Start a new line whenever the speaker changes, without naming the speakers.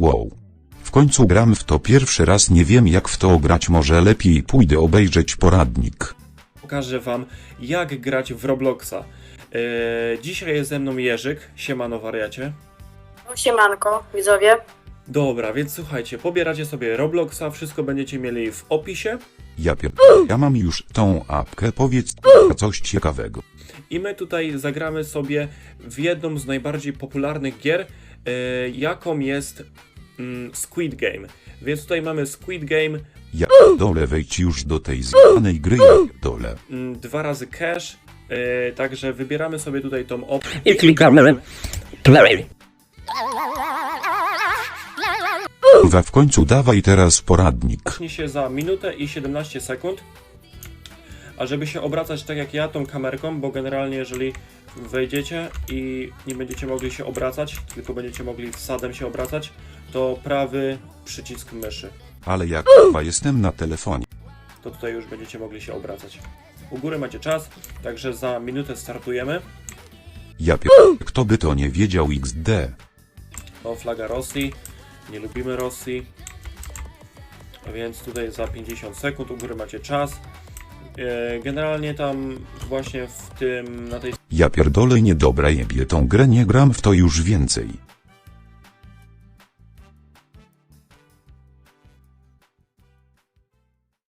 Wow. W końcu gram w to pierwszy raz, nie wiem jak w to grać, może lepiej pójdę obejrzeć poradnik.
Pokażę wam, jak grać w Robloxa. Dzisiaj jest ze mną Jerzyk. Siemano wariacie.
No, siemanko, widzowie.
Dobra, więc słuchajcie, pobieracie sobie Robloxa, wszystko będziecie mieli w opisie.
Ja mam już tą apkę, powiedz coś ciekawego.
I my tutaj zagramy sobie w jedną z najbardziej popularnych gier, jaką jest Squid Game. Więc tutaj mamy Squid Game,
Ja dole, wejdź już do tej zgranej gry, ja dole.
2 razy cash, także wybieramy sobie tutaj tą opcję.
I klikamy play.
W końcu dawaj teraz poradnik.
Zacznie się za minutę i 17 sekund. A żeby się obracać tak jak ja tą kamerką, bo generalnie jeżeli wejdziecie i nie będziecie mogli się obracać, tylko będziecie mogli wsadem się obracać, to prawy przycisk myszy.
Ale jak jestem na telefonie.
To tutaj już będziecie mogli się obracać. U góry macie czas, także za minutę startujemy.
Kto by to nie wiedział XD.
O, flaga Rosji. Nie lubimy Rosji. Więc tutaj za 50 sekund u góry macie czas. Generalnie tam właśnie w tym, na tej
Ja pierdolę, niedobra jebie tą grę, nie gram w to już więcej.